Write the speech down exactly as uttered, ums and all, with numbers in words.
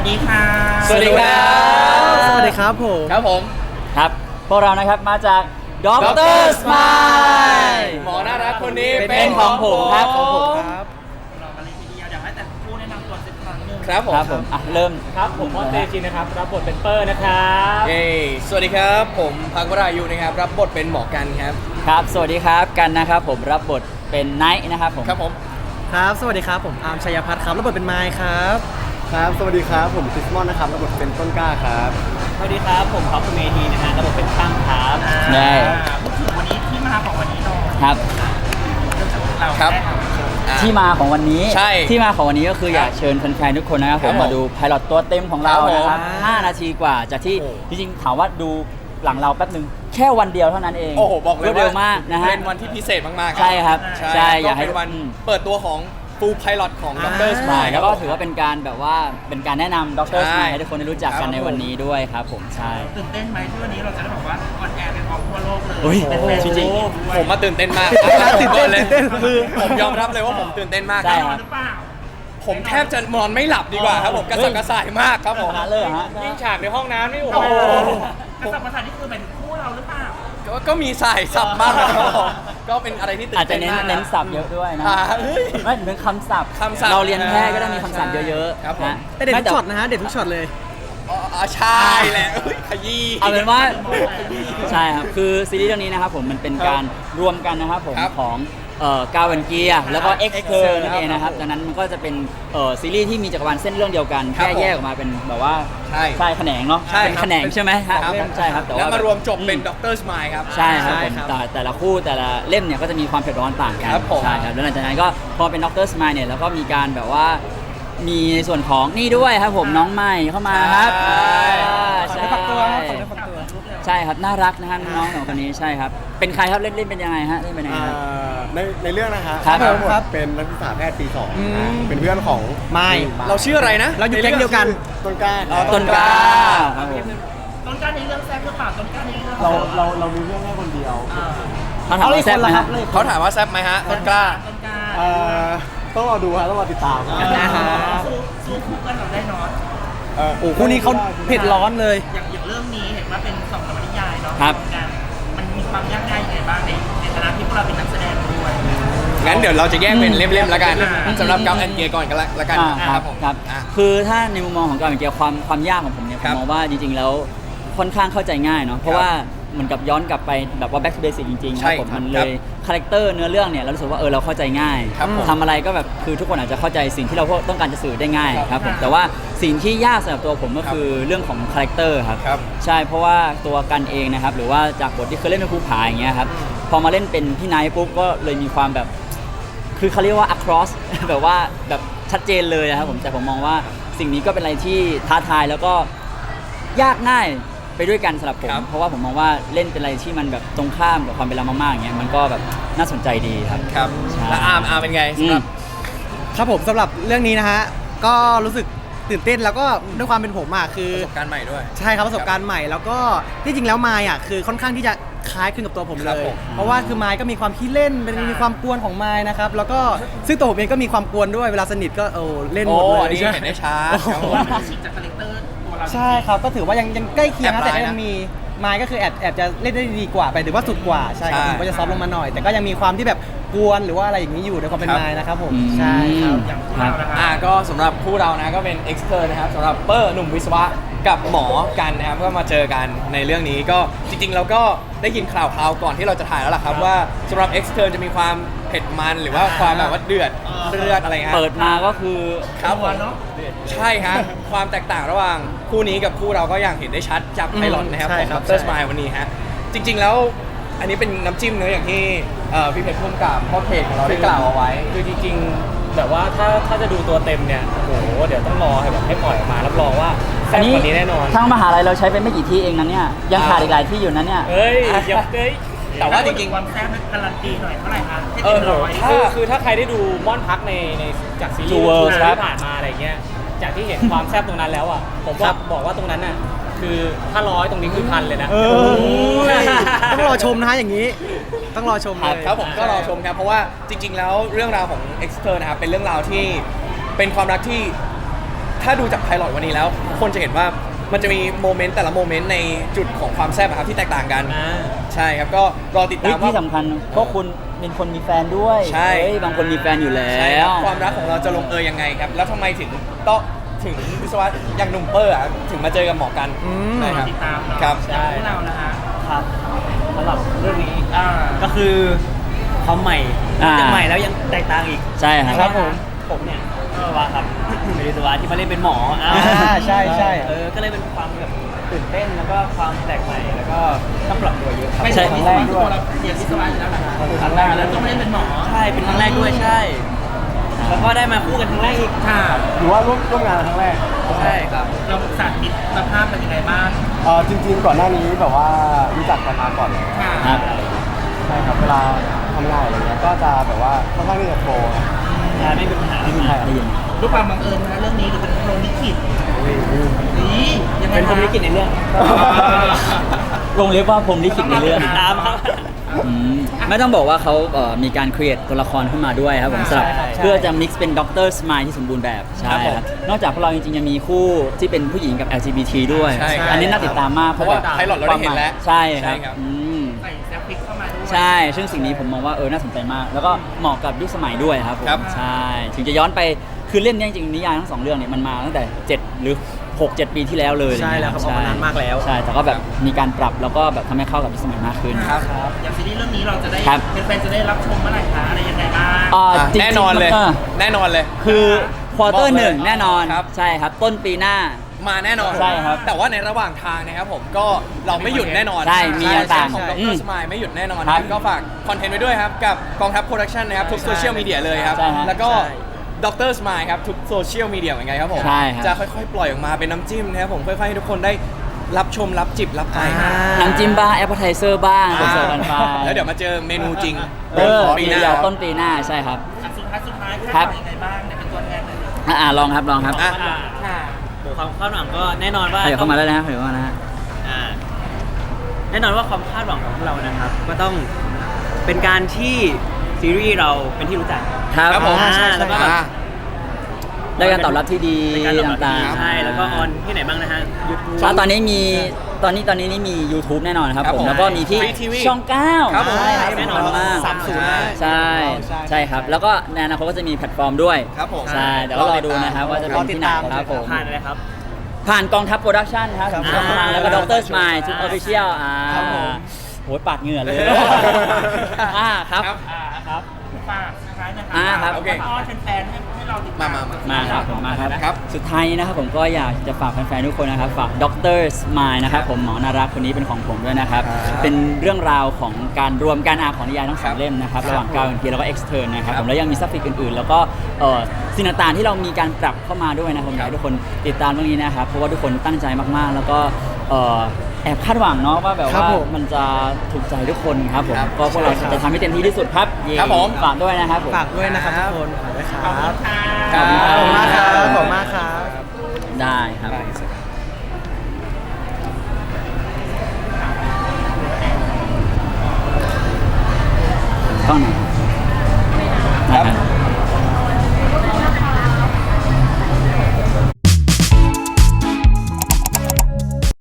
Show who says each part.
Speaker 1: วัสดีค่ะ
Speaker 2: สวัสดีครับ
Speaker 3: สวัสดีครับผม
Speaker 2: ครับผม
Speaker 4: ครับพวกเรานะครับมาจากด็อกเตอร์สไมล์
Speaker 2: หมอน่ารักคนนี้
Speaker 4: เป็นของผมครับของผม
Speaker 3: ครับ
Speaker 1: เรากันเลยทีเดียวอยากให้แต่ผู้แนะนำตัวสักครั้งหนึ่ง
Speaker 2: ครับผม
Speaker 4: ครับผมอ่ะเริ่ม
Speaker 5: ครับผมมอสเตชินนะครับรับบทเป็นเปอร์นะครับ
Speaker 2: เย้สวัสดีครับผมพักวรายุนะครับรับบทเป็นหมอกันครับ
Speaker 4: ครับสวัสดีครับกันนะครับผมรับบทเป็นไนท์นะครับผม
Speaker 2: ครับผม
Speaker 3: ครับสวัสดีครับผมอาร์มชัยพัฒน์ครับรับบทเป็นไมค์ครับ
Speaker 6: ครับสวัสดีครับผมคริสมอนนะครับรับบทเป็นต้นกล้าครับ
Speaker 5: สวัสดีครับผมท็อปเมทีนะฮะรับบทเป็นตั้งครับ
Speaker 4: ได้
Speaker 1: พูดถึงวันนี้ที่มาของวันนี้หน่อย
Speaker 4: ครับ
Speaker 1: เรา
Speaker 2: ครับ
Speaker 4: ที่มาของวันนี้
Speaker 2: ใช่
Speaker 4: ที่มาของวันนี้ก็คืออยากเชิญแฟนๆทุกคนนะครับผมมาดูไพลอตตัวเต็มของเรานะครับห้านาทีกว่าจากที่จริงๆถามว่าดูหลังเราแป๊บนึงแค่วันเดียวเท่านั้นเอง
Speaker 2: โอ้โหบอกเลยว่า
Speaker 4: เร็วมากนะฮะ
Speaker 2: เป็นวันที่พิเศษมากๆ
Speaker 4: ใช่ครับใช่อยากให้
Speaker 2: เป็นวันเปิดตัวของฟูลไพลอตของด็อกเตอร์สไมล์
Speaker 4: แล้วก็ถือว่าเป็นการแบบว่าเป็นการแนะนำด็อกเตอร์สไมล์ให้ทุกคนได้รู้จักกันในวันนี้ด้วยครับผมใช่
Speaker 1: ตื่นเต้นไหมที่วันนี้เราจะได้บอกว่าออนแอร์เป็นของทั่วโลกเลย
Speaker 4: โอ้ย
Speaker 2: จริงๆผมมาตื่นเต้นมากตื่นเต้นเลยคือผมยอมรับเลยว่าผมตื่นเต้นมาก
Speaker 4: ใช่ครับ
Speaker 1: หรือเปล่า
Speaker 2: ผมแทบจะนอนไม่หลับดีกว่าครับผมกระสับกระส่ายมากครับผม
Speaker 4: ขนาดเลยเหรอฮะ
Speaker 5: ยิ่งฉากในห้องน้ำนี่โอ้
Speaker 1: โอ้
Speaker 5: โห
Speaker 1: โหกระสับกระส่ายนี่คือเป็นคู่เราหรือเปล่า
Speaker 2: ก็ก็มีสายสับมากนะครับผมก็เป็นอะไรที่ตื่
Speaker 4: อาจ
Speaker 2: น
Speaker 4: จะ
Speaker 2: เต้น
Speaker 4: เน้น
Speaker 2: มาก
Speaker 4: เน้นศัพท์เยอะด้วยนะ
Speaker 2: อ่าเฮ้ย
Speaker 4: ไม่ถึงคำศัพท์
Speaker 2: คำศัพท์
Speaker 4: เราเรียนแพทย์ก็ต้องมีคำศัพท์เยอะ
Speaker 2: ครับผม
Speaker 4: ๆนะ
Speaker 3: แต่เด็ดทุกช็อตนะฮะเด็ดทุกช็อตเลย
Speaker 2: อ๋อใช่แหละเฮ้ยขยี้
Speaker 4: เอาเป็นว่าใช่ครับคือซีรีส์เรื่องนี้นะครับผมมันเป็นการรวมกันนะครับผม
Speaker 2: ครับ
Speaker 4: ของเอ่อกาวันเกียแล้วก็เอ็กซ์เทอร์นั่นเองนะครับดังนั้นมันก็จะเป็นเอ่อซีรีส์ที่มีจักรวาลเส้นเรื่องเดียวกัน
Speaker 2: ครั
Speaker 4: แค่
Speaker 2: บผม
Speaker 4: แยกออกมาเป็นแบบว่า
Speaker 2: ใช่
Speaker 4: ใช่แขนงเนาะ
Speaker 2: ใช่
Speaker 4: เป็น
Speaker 2: ครับ
Speaker 4: แขนงใช่ไหมฮะ
Speaker 2: ครับ
Speaker 4: ใช่ครับแต่
Speaker 2: แล้ว
Speaker 4: ว่า
Speaker 2: มารวมจบเป็นด็อกเตอร์สไมล์ครับ
Speaker 4: ใช่ครับ
Speaker 3: ใช่
Speaker 4: ผม
Speaker 3: ครับ
Speaker 4: แต่แต่ละคู่แต่ละเล่มเนี่ยก็จะมีความเผ็ดร้อนต่างกัน
Speaker 2: ครับผม
Speaker 4: ใช่ครับแล้วหลังจากนั้นก็พอเป็นด็อกเตอร์สมายเนี่ยแล้วก็มีการแบบว่ามีในส่วนของนี่ด้วยครับผมน้องใหม่เข้ามาครับ
Speaker 2: ใช่
Speaker 4: อ่า
Speaker 3: ขอ
Speaker 4: ใช่
Speaker 3: ได้ฝักตัวครับขอได้ฝักตัว
Speaker 4: ใช่ครับน่ารักนะฮะน้องสองคนนี้ใช่ครับเป็นใครครับเล่นเล่นเป็นยังไงฮะเล่นเป็นยังไง
Speaker 6: อ่า
Speaker 4: ครับ
Speaker 6: ในในเรื่องนะฮะ
Speaker 4: ครับ
Speaker 6: ทั้งหมดเป็นนักศึกษาแพทย์ปีสองนะฮะเป็นเพื่อนของ
Speaker 3: ไมค์
Speaker 2: เราชื่ออะไรนะ
Speaker 3: เราอยู่แก๊งเดียวกัน
Speaker 6: ต้นกล้า
Speaker 2: อ๋อ
Speaker 4: ต้นกล้าครับผม
Speaker 1: ต้นกล้าในเรื่องแซ่บหรือเปล่าต้นกล้าในเรื่อง
Speaker 6: เราเราเรามีเรื่องแค่คนเดียว
Speaker 1: เออ
Speaker 4: เขาถามว่าแซ่บไหมฮะ
Speaker 2: เขาถามว่าแซ่บไหมฮะต้นกล้า
Speaker 1: ต้นกล้า
Speaker 6: เอ่อต้องรอดูฮะต้องรอติดตาม
Speaker 3: อ่าฮะ
Speaker 1: สู้สู้คู่กันเราได้เนอน
Speaker 6: เอ่อ
Speaker 3: โอ้คู่นี้เขาเผ็ดร้อนเลย
Speaker 1: อย่างอย่างเรื่องนี้เห็นว่าเป็นสองนวนิยายเนาะ
Speaker 4: ครับ
Speaker 1: การมันมีความยากง่ายยังไงบ้างในในฐานะที่พวกเราเป็นนักแสดงด้วย
Speaker 2: งั้นเดี๋ยวเราจะแยกเป็นเล่มๆแล้วกัน
Speaker 1: อืม
Speaker 2: สำหรับกัมแอนเกียร์ก่อนกันละละกัน
Speaker 4: อ่าครับ
Speaker 2: ผม
Speaker 4: ครับ
Speaker 2: อ่ะ
Speaker 4: คือถ้าในมุมมองของการเกี่ยวกับความความยากของผมเนี่ยผ
Speaker 2: ครั
Speaker 4: ม
Speaker 2: บ
Speaker 4: มองว่าจริงๆแล้วค่อนข้างเข้าใจง่ายเนาะเพราะ
Speaker 2: ครับ
Speaker 4: ว่าเหมือนกับย้อนกลับไปแบบว่า back to basic จริงๆค
Speaker 2: ใช่
Speaker 4: รับผม
Speaker 2: ครับ
Speaker 4: มันเลยคาแรคเตอร์เนื้อเรื่องเนี่ยเรารู้สึกว่าเออเราเข้าใจง่าย
Speaker 2: ครับผม
Speaker 4: ทำอะไรก็แบบคือทุกคนอาจจะเข้าใจสิ่งที่เราต้องการจะสื่อได้ง่าย
Speaker 2: ครับ
Speaker 4: ครับผมแต่ว่าสิ่งที่ยากสำหรับตัวผมก็คือเรื่องของคาแรคเตอร์ครับ
Speaker 2: ครับ
Speaker 4: ใช่เพราะว่าตัวกันเองนะครับหรือว่าจากบทที่เคยเล่นเป็นภูผาอย่างเงี้ยครับพอมาเล่นเป็นพี่ไนท์ปุ๊บก็เลยมีความแบบ คือเขาเรียกว่า across แบบว่าแบบชัดเจนเลยนะครับผมแต่ผมมองว่าสิ่งนี้ก็เป็นอะไรที่ท้าทายแล้วก็ยากง่ายไปด้วยกันสำหรับผม
Speaker 2: ครับ
Speaker 4: เพราะว่าผมมองว่าเล่นเป็นอะไรที่มันแบบตรงข้ามกับความเป็นเรามากๆอย่างเงี้ยมันก็แบบน่าสนใจดีครับ
Speaker 2: ครับ
Speaker 4: ใช่
Speaker 2: แล้วอาร์มอาร์มเป็นไงสำหรับ
Speaker 3: ครับผมสำหรับเรื่องนี้นะฮะก็รู้สึกตื่นเต้นแล้วก็ด้วยความเป็นผมอ่ะคือ
Speaker 2: ประสบการณ์ใหม่ด้วย
Speaker 3: ใช่ครับประสบการณ์ใหม่แล้วก็ที่จริงแล้วไมค์อ่ะคือค่อนข้างที่จะคล้ายคลึงกับตัวผม
Speaker 2: ครั
Speaker 3: เล
Speaker 2: บ
Speaker 3: ย
Speaker 2: ผม
Speaker 3: เพราะว่าคือไมค์ก็มีความขี้เล่นเป็นมีความกวนของไมค์นะครับแล้วก็ซึ่งตัวผมเองก็มีความกวนด้วยเวลาสนิทก็โอ้เล่นหมด
Speaker 2: โอ้
Speaker 3: เลย
Speaker 2: อันนี้
Speaker 3: ใช่
Speaker 2: เห็นได้ชัดครับผม
Speaker 1: ฉีกจากคาแรคเตอร์ตัวเรา
Speaker 3: ใช่ครับก็ถือว่ายังยังใกล้เคียงนะ
Speaker 2: แอบ
Speaker 3: แต่
Speaker 2: ร้าย
Speaker 3: ก็
Speaker 2: นะ
Speaker 3: ยังมีไมค์ก็คือแอบแอบจะเล่นได้ดีกว่าไปหรือว่าสุดกว่าใช่ครับ
Speaker 2: ใช่
Speaker 3: ผมก็จะซอฟต์ลงมาหน่อย แต่ก็ยังมีความที่แบบกวนหรือว่าอะไรอย่างนี้อยู่ในความเป็น
Speaker 2: ครับ
Speaker 3: ไมค์นะครับผม
Speaker 4: อืม
Speaker 3: ใช่ครับ
Speaker 1: อย่างพวกเรานะ
Speaker 2: อ่า
Speaker 1: คะ
Speaker 2: ก็สำหรับคู่เรานะก็เป็นเอ็กซ์เตอร์นะครับสำหรับเปอร์หนุ่มวิศวะกับหมอกันนะครับก็มาเจอกันในเรื่องนี้ก็จริงๆเราก็ได้ยินข่าวคราวก่อนที่เราจะถ่ายแล้วล่ะครับว่าสำหรับเอ็กซ์เตอร์จะมีความเผ็ดมันหรือว่าความแบบว่าเดือดเลือดอะไรฮะ
Speaker 4: เปิดมาก็คือ
Speaker 2: ครับผม
Speaker 1: เนาะ
Speaker 2: ใช่ฮะ ความแตกต่างระหว่างคู่นี้กับคู่เราก็อย่างเห็นได้ชัดจากไพลอตนะครับ
Speaker 3: ใช่
Speaker 2: ของ
Speaker 3: ครั
Speaker 2: ด
Speaker 3: บ
Speaker 2: รสมายวันนี้ฮะจริง ๆแล้วอันนี้เป็นน้ำจิ้มเนื้อะอย่างที่เอ่อพี่เพชรพุ่มกับพ่อเพจของเราได้กล่าวเอาไว้
Speaker 5: คือจริงๆแบบว่าถ้าถ้าจะดูตัวเต็มเนี่ยโอ้โหเดี๋ยวต้องรอให้แบบให้ปล่อยออกมารับรองว่าแซ่บกว่านี้แน่นอน
Speaker 4: ทั้งมหาลัยเราใช้ไปไม่กี่ที่เองนะเนี่ยยังขาดอีกหลายที่อยู่นะเนี่ย
Speaker 5: เฮ้ยอย่าเฮ้ย
Speaker 2: แต่ว่าจริงๆ
Speaker 1: ความแซ่บการันตีหน่อยเท่าไหร่คะให้
Speaker 2: เอ
Speaker 1: เต็
Speaker 2: อ
Speaker 1: มร้อย
Speaker 2: ถ้า
Speaker 5: คือคือถ้าใครได้ดูม่อนพักในในจากซีรี
Speaker 4: True
Speaker 5: ส์
Speaker 4: World ครับ
Speaker 5: ที่ผ่านมาอะไรเงี้ยจากที่เห็นความแซ่บตรงนั้นแล้วอ่ะผมว่าบอกว่าตรงนั้นน่ะคือถ้าร้อยตรงนี้คือพันเลยนะ
Speaker 3: เออต้องรอชมนะฮะอย่างนี้ ต้องรอชมเลย
Speaker 2: ครับผมก็รอชมครับเพราะว่าจริง ๆ แล้วเรื่องราวของ e x t e r นะครับเป็นเรื่องราวที่เป็นความรักที่ถ้าดูจากไพลอตวันนี้แล้วคนจะเห็นว่ามันจะมีโมเมนต์แต่ละโมเมนต์ในจุดของความแซ่บอะครับที่แตกต่างกัน
Speaker 5: อ่า
Speaker 2: ใช่ครับก็รอติด
Speaker 4: เฮ้
Speaker 2: ตาย ม
Speaker 4: ที่
Speaker 2: ว่า
Speaker 4: สำคัญพวกคุณเป็นคนมีแฟนด้วย
Speaker 2: ใช่
Speaker 4: เฮ้ยบางคนมีแฟนอยู่แล้
Speaker 2: ใช่คว รับความรักของเราจะลงเอยยังไงครับ แล้วทำไมถึงต้องถึงวิศวะอย่างหนุ่มเปอร์อะถึงมาเจอกับหมอกัน
Speaker 3: อืม
Speaker 2: ใช่ครับ
Speaker 1: ติดตามเนาะ
Speaker 2: ครับ
Speaker 1: ใช่พวกเรานะฮะ
Speaker 5: ครับสำหรับเรื่องนี้
Speaker 1: อ่า
Speaker 5: ก็คือความใหม่
Speaker 4: อ่า
Speaker 5: จะใหม่แล้วยังแตกต่างอีก
Speaker 4: ใช่ครับ
Speaker 3: ครับผม
Speaker 5: ผมเนี่ยก็ว่าครับ เป็นวิศวะที่มาเล่นเป็นหมออ้าว
Speaker 3: อ่าใช่ใช่
Speaker 5: เออก็เลยเป็นความแบบตื่นเต้นแล้วก็ความแปลกใหม่แล้วก็ต้องปรับตัวเยอะครับ
Speaker 1: ไม่
Speaker 4: ใช่
Speaker 1: ใช่วิศวะตัวเราเรียนวิศวะอยู่แล้วเหรอคะ
Speaker 5: ครั้งแรก
Speaker 1: แล้วต้องมาเล่นเป็นหมอ
Speaker 5: ใช่เป็นครั้งแรกด้วยใช่ แล้วก็ได้มาคู่กันครั้งแรกอีก
Speaker 1: ค่ะ
Speaker 6: หรือว่าร่วมร่วมงานครั้งแรก
Speaker 5: ใช่ครับ
Speaker 1: เราสาธิตสภาพเป็นยังไงบ้าง
Speaker 6: เออจริงๆ ก่อนหน้านี้แบบว่ารู้จักกันมาก่อนแล้ว
Speaker 1: ค่ะ
Speaker 4: ครับ
Speaker 6: ใช่ครับเวลาทำงานอะไรเงี้ยก็จะแบบว่าค่อนข้างที่จะโทรครับ
Speaker 5: ใช่ไม่มีปัญหา
Speaker 6: ไม่มีใคร
Speaker 4: ได้ยิน
Speaker 1: ด้วยความบังเอิญนะเรื่องนี้หรือเป็นพรหมลิขิตนี่ยังไง
Speaker 5: เป็นพรหมลิขิตในเรื่อง
Speaker 4: วงเล็บว่าผมลิขิตในเรื่อง
Speaker 5: ติดตามครับ
Speaker 4: อืมไม่ต้องบอกว่าเขาเอ่อมีการ create ตัวละครขึ้นมาด้วยครับผมสำหรับ
Speaker 5: ใช่ใช่
Speaker 4: เพื่อจะ mix เป็นด็อกเตอร์สมายที่สมบูรณ์แบบใช่
Speaker 2: ครับผม
Speaker 4: ครับนอกจากพวกเราจริงๆยังมีคู่ที่เป็นผู้หญิงกับ แอล จี บี ที ด้วย
Speaker 2: ใช่ครับ
Speaker 4: อันนี้น่าติดตามมาก
Speaker 2: เพราะว่าไพลอตเราได้เห็นแล้ว
Speaker 4: ใช่ครับ
Speaker 2: ใช่ครับ
Speaker 4: อืม
Speaker 1: ใส่แซฟฟิกเข้ามาด้วย
Speaker 4: ใช่ ซึ่งสิ่งนี้ผมมองว่าเออน่าสนใจมาก แล้วก็เหมาะกับยุคสมัยด้วยครับผม
Speaker 2: ครับ
Speaker 4: ใช่ ถึงจะย้อนไปคือเล่มเนี้ยจริงๆนิยายทั้งสองเรื่องเนี่ยมันมาตั้งแต่เจ็ดหรือหกเจ็ดปีที่แล้วเลย
Speaker 3: ใช่แล้วครับออกมานานมากแล้ว
Speaker 4: ใช่แต่ก็แบบมีการปรับแล้วก็แบบทำให้เข้ากับยุคสมัยมากขึ้น
Speaker 2: ครับ
Speaker 1: อย่างซีรีส์เรื่องนี้เราจะได้
Speaker 4: ครับ
Speaker 1: แฟนๆจะได้รับชมเมื่อไหร่คะอะไรยังไงบ้าง
Speaker 4: อ่า
Speaker 2: อ่ะ
Speaker 4: จริงๆ
Speaker 2: แน่นอนเลย
Speaker 4: อ
Speaker 2: แน่นอนเลย
Speaker 4: คือควอเตอ
Speaker 2: บอก
Speaker 4: ร์
Speaker 2: เลย
Speaker 4: หนึ่งแน่นอน
Speaker 2: ครับ
Speaker 4: ใช่ครับ ต้นปีหน้า
Speaker 2: มาแน่นอน
Speaker 4: ใช่ครับ
Speaker 2: แต่ว่าในระหว่างทางนะครับผมก็เราไม่หยุดแน่นอน
Speaker 4: ใช่มี
Speaker 2: ใช่
Speaker 4: ต่างๆ
Speaker 2: ของด
Speaker 4: อื
Speaker 2: ร
Speaker 4: ม
Speaker 2: สมายไม่หยุดแน่นอน
Speaker 4: ครับ
Speaker 2: ก็ฝากคอนเทนต์ไว้ด้วยครับ กับกองทัพโปรดักชันนะครับ ทุกโซเชียลมีเดียเลยครับ
Speaker 4: ใช่ฮะ
Speaker 2: แล้วก็
Speaker 3: ใช่
Speaker 2: ดรสมายครับ ทุกโซเชียลมีเดียเหมือนกันครับผม
Speaker 4: ใช่ครับ
Speaker 2: จะค่อยๆ ปล่อยออกมาเป็นน้ำจิ้มนะครับผมค่อยๆให้ทุกคนได้รับชมรับจิบรับไป
Speaker 3: อ่า
Speaker 4: น้ำจิ้มบ้างแอปเปิลไทเซอร์บ้างผมเสิร์ฟกันไป
Speaker 2: แล้วเดี๋ยวมาเจอเมนูจริง
Speaker 4: เออ
Speaker 2: ปีห
Speaker 4: เดี๋
Speaker 2: น้า
Speaker 4: ยวต้นปีหน้าใช่ครับ
Speaker 1: อ่ะสุดท้ายสุดท้าย
Speaker 4: ครั
Speaker 1: คาด
Speaker 4: บ
Speaker 1: หวังยังไงบ้างเนี่ยเป็นตัวแทนเลย
Speaker 4: อ่ะอ่ะลองครับลองครับ
Speaker 2: อ่ะ
Speaker 5: อ่า
Speaker 1: ค่ะ
Speaker 5: โหความคาดหวังก็แน่นอนว่า
Speaker 4: เดี๋ยวเข้ามาแล้วนะเดี๋ยวเข้ามานะฮะ
Speaker 5: อ่าแน่นอนว่าความคาดหวังของพวกเรานะครับ ก็ต้องเป็นการที่ซีรีส์เราเป็นที่รู้จัก
Speaker 4: ครับ
Speaker 2: ครับผม
Speaker 5: อ่า
Speaker 2: ใช่
Speaker 5: แล้วก็
Speaker 2: ใช่
Speaker 5: แบบ
Speaker 2: อ่ะ
Speaker 4: ได้การตอบรับที่ดี
Speaker 5: ในการตอบรับที่
Speaker 4: ต่าง
Speaker 5: ดี
Speaker 4: ๆ
Speaker 5: ใช่แล้วก็ออนที่ไหนบ้างนะฮะยูทูบ
Speaker 4: อ่ะตอนนี้มีตอนนี้ตอนนี้นี่มี YouTube แน่นอนครับ
Speaker 2: ครับ
Speaker 4: ผ
Speaker 2: ผม ม
Speaker 4: แล้วก็มีที่
Speaker 2: Free ที วี
Speaker 4: ช่องเก้า
Speaker 2: ครับผม
Speaker 4: ใช่ครับ
Speaker 5: แน่นอน
Speaker 4: สำคัญมาก
Speaker 3: สามศูนย์
Speaker 4: ใช่
Speaker 3: ใช่
Speaker 4: ใช่ครับ แล้วก็ในอนาคตก็จะมีแพลตฟอร์มด้วย
Speaker 2: ครับผม
Speaker 4: ใช่เดี๋ยวก็รอดูนะครับว่าจะเป็นที่ไหนครับผม
Speaker 5: ผ่านอะไรครับ
Speaker 4: ผ่านกองทัพโปรดักชั่นครับ
Speaker 3: ครับ
Speaker 4: ช่องทางแล้วก็ดรสมายชุดอ
Speaker 5: อ่า
Speaker 4: อฟฟิเชียลอ่า
Speaker 3: ครับผม
Speaker 4: โหยปาดเหงื่อเลยอ่าครับ
Speaker 1: อ่าครับฝากสุดท้ายนะครั
Speaker 4: อ่าครับ
Speaker 2: โอเค
Speaker 1: ฝากอ้อนแฟนๆให้ให้เราติดตาม
Speaker 2: มามา
Speaker 4: มาครับผมมาครับ
Speaker 2: ครับ
Speaker 4: สุดท้ายนี้นะครับผมก็อยากจะฝากแฟนๆทุกคนนะครับ ฝากดรสมายนะครับผมหมอนารักคนนี้เป็นของผมด้วยนะครับ
Speaker 2: ครับ
Speaker 4: เป็นเรื่องราวของการรวมการอ่านของนิยายทั้งสอง
Speaker 2: ครับ
Speaker 4: เล่มนะครับ
Speaker 2: ครับ
Speaker 4: ระหว่างกาวเอ็นพีแล้วก็เอ็กซ์เทิร์นนะครับ
Speaker 2: ครับ
Speaker 4: ผมแล้วยังมีซับฟิกอื่นๆ แล้วก็เอ่อสิ่งต่างๆที่เรามีการปรับเข้ามาด้วยนะครับผมอยากให้ทุกคนติดตามเรื่องนี้นะครับ เพราะว่าทุกคนตั้งใจมากๆ แล้วก็เอ่อแอบคาดหวังเนาะว่าแบบ
Speaker 3: ครับ
Speaker 4: ว่า
Speaker 3: ผม
Speaker 4: มันจะถูกใจทุกคนครับผม
Speaker 2: ครับ
Speaker 4: ก็พวกเราจะทำให้เต็มที่ที่สุดครับ
Speaker 2: ครับผม
Speaker 4: ฝากด้วยนะครับผม
Speaker 3: ฝากด้วยนะครับทุกคนฝากด้วยครั
Speaker 1: ขอบคุณ
Speaker 3: บ
Speaker 1: ค่ะ
Speaker 2: ครั
Speaker 3: ขอบคุณมากครับขอบคุณมากครับ
Speaker 4: ได้ครับ ต้องไหน